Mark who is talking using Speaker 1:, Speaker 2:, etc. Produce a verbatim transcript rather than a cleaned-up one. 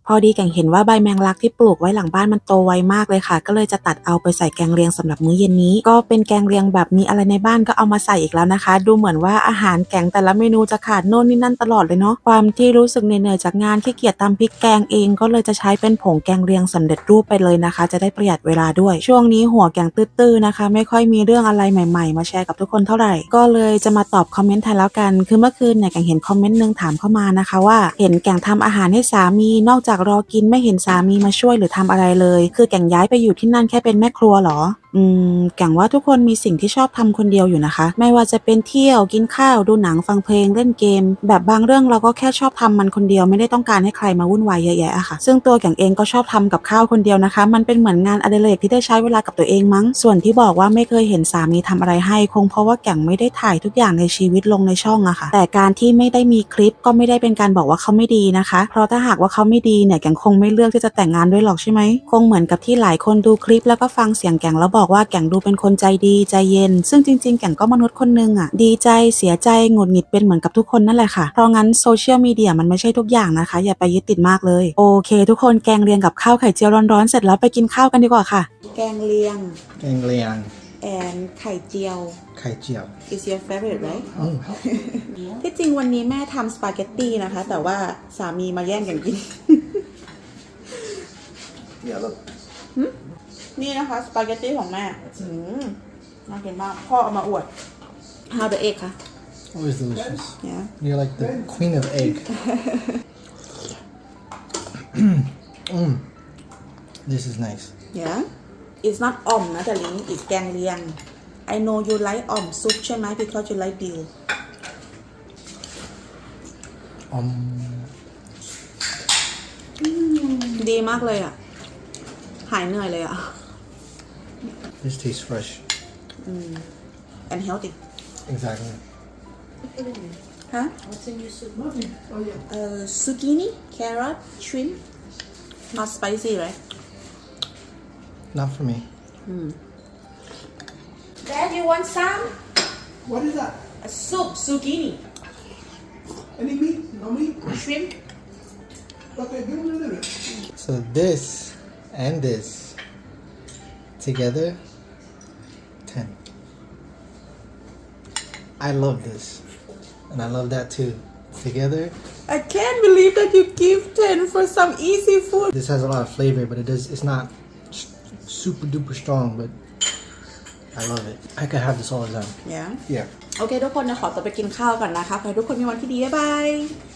Speaker 1: พอดีแก่งเห็นว่าใบแมงลักที่ปลูกไว้หลังบ้านมันโตไวมากเลยค่ะก็เลยจะตัดเอาไปใส่แกงเลียงสำหรับมื้อเย็นนี้ก็เป็นแกงเลียงแบบมีอะไรในบ้านก็เอามาใส่อีกแล้วนะคะดูเหมือนว่าอาหารแกงแต่ละเมนูจะขาดโน่นนี่นั่นตลอดเลยเนาะความที่รู้สึกเหนื่อยๆจากงานขี้เกียจตำพริกแกงเองก็เลยจะใช้เป็นผงแกงเลียงสำเร็จรูปไปเลยนะคะจะได้ประหยัดเวลาด้วยช่วงนี้หัวแกงตื้อๆนะคะไม่ค่อยมีเรื่องอะไรใหม่ๆมาแชร์กับทุกคนเท่าไหร่ก็เลยจะมาตอบคอมเมนต์แทนแล้วกันคือเมื่อคืนเนี่ยแกงเห็นคอมเมนต์นึงถามเข้ามานะคะว่าเห็นแกงทำอาหารให้สามีนอกจากรอกินไม่เห็นสามีมาช่วยหรือทำอะไรเลยคือแกงย้ายไปอยู่ที่นั่นแค่เป็นแม่ครัวเหรออืมแกงว่าทุกคนมีสิ่งที่ชอบทำคนเดียวอยู่นะคะไม่ว่าจะเป็นเที่ยวกินข้าวดูหนังฟังเพลงเล่นเกมแบบบางเรื่องเราก็แค่ชอบทำมันคนเดียวไม่ได้ต้องการให้ใครมาวุ่นวายเยอะแยะอะค่ะซึ่งตัวแกงเองก็ชอบทำกับข้าวคนเดียวนะคะมันเป็นเหมือนงานอดิเรกที่ได้ใช้เวลากับตัวเองมั้งส่วนที่บอกว่าไม่เคยเห็นสามีทำอะไรให้คงเพราะว่าแกงไม่ได้ถ่ายทุกอย่างในชีวิตลงในช่องอะค่ะแต่การที่ไม่ได้มีคลิปก็ไม่ได้เป็นการบอกว่าเขาไม่ดีนะคะเพราะถ้าหากว่าเขาไม่ดีเนี่ยแกงคงไม่เลือกที่จะแต่งงานด้วยหรอกใช่ไหมคงเหมือนกับที่หลายคนดูคลิปแล้วก็ฟังเสียงแกงแล้วบอกว่าแกงดูเป็นคนใจดีใจเย็นซึ่งจริงๆแกงก็มนุษย์คนนึงอะดีใจเสียใจหงุดหงิดเป็นเหมือนกับทุกคนนั่นแหละค่ะเพราะงั้นโซเชียลมีเดียมันไม่ใช่ทุกอย่างนะคะอย่าไปยึดติดมากเลยโอเคทุกคนแกงเลียงกับข้าวไข่เจียวร้อนๆเสร็จแล้วไปกินข้าวกันดีกว่าค่ะแกงเลียง
Speaker 2: แกงเลียง
Speaker 1: and ไข่เจียว
Speaker 2: ไข่เจียว
Speaker 1: is your favorite right
Speaker 2: อืม
Speaker 1: ที่จริงวันนี้แม่ทำสปาเกตตี้นะคะแต่ว่าสามีมาแย่งกันกิน
Speaker 2: Yeah, look.
Speaker 1: นี่นะคะสปาเกตตี้ของแม่อืมน่ากินมากพ่อเอามาอวด How the egg คะ
Speaker 2: Always delicious.
Speaker 1: Yeah
Speaker 2: You're like the queen of egg. mm. This is nice.
Speaker 1: Yeah it's not อ่อมนะแต่ลิง it's แกงเลียง I know you like อ่อมซุปใช่ไหม because you like dill
Speaker 2: Um.
Speaker 1: ดีมากเลยอ่ะหายเหนื่อยเลยอ่ะ
Speaker 2: This tastes fresh.
Speaker 1: and healthy
Speaker 2: Exactly.
Speaker 1: ฮะ
Speaker 3: What's in your soup? Oh yeah.
Speaker 1: uh zucchini carrot shrimp not spicy right
Speaker 2: Not for me.
Speaker 1: Dad you want some
Speaker 3: What is that?
Speaker 1: a soup zucchini
Speaker 3: Any meat? No meat?
Speaker 1: shrimp
Speaker 3: Okay, give me a little bit.
Speaker 2: So this and this together, ten. I love this, and I love that too. Together,
Speaker 1: I can't believe that you give ten for some easy food
Speaker 2: this has a lot of flavor, but it does. It's not s- super duper strong, but I love it. I could have this all the time.
Speaker 1: yeah
Speaker 2: Yeah.
Speaker 1: โอเคทุกคนนะขอตัวไปกินข้าวก่อนนะคะขอให้ทุกคนมีวันที่ดีบ๊ายบาย